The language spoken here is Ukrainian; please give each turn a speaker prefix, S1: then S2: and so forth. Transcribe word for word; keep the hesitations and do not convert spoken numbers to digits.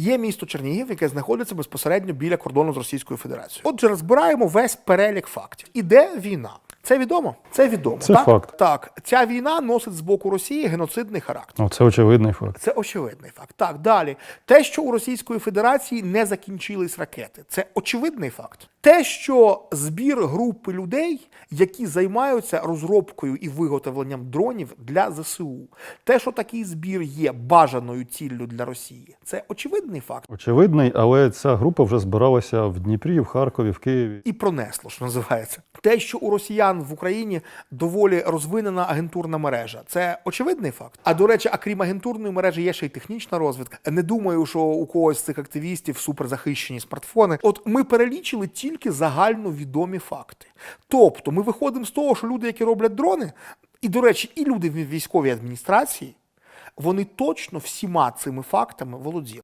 S1: Є місто Чернігів, яке знаходиться безпосередньо біля кордону з Російською Федерацією. Отже, розбираємо весь перелік фактів. Іде війна. Це відомо? Це відомо.
S2: Це
S1: так?
S2: факт.
S1: Так. Ця війна носить з боку Росії геноцидний характер.
S2: Ну, це очевидний факт.
S1: Це очевидний факт. Так, далі. Те, що у Російської Федерації не закінчились ракети. Це очевидний факт. Те, що збір групи людей, які займаються розробкою і виготовленням дронів для ЗСУ. Те, що такий збір є бажаною ціллю для Росії. Це очевидний факт.
S2: Очевидний, але ця група вже збиралася в Дніпрі, в Харкові, в Києві.
S1: І пронесло, що називається. Те, що у росіян в Україні доволі розвинена агентурна мережа. Це очевидний факт. А, до речі, а крім агентурної мережі є ще й технічна розвідка. Не думаю, що у когось з цих активістів суперзахищені смартфони. От ми перелічили тільки загальновідомі факти. Тобто ми виходимо з того, що люди, які роблять дрони, і, до речі, і люди в військовій адміністрації, вони точно всіма цими фактами володіли.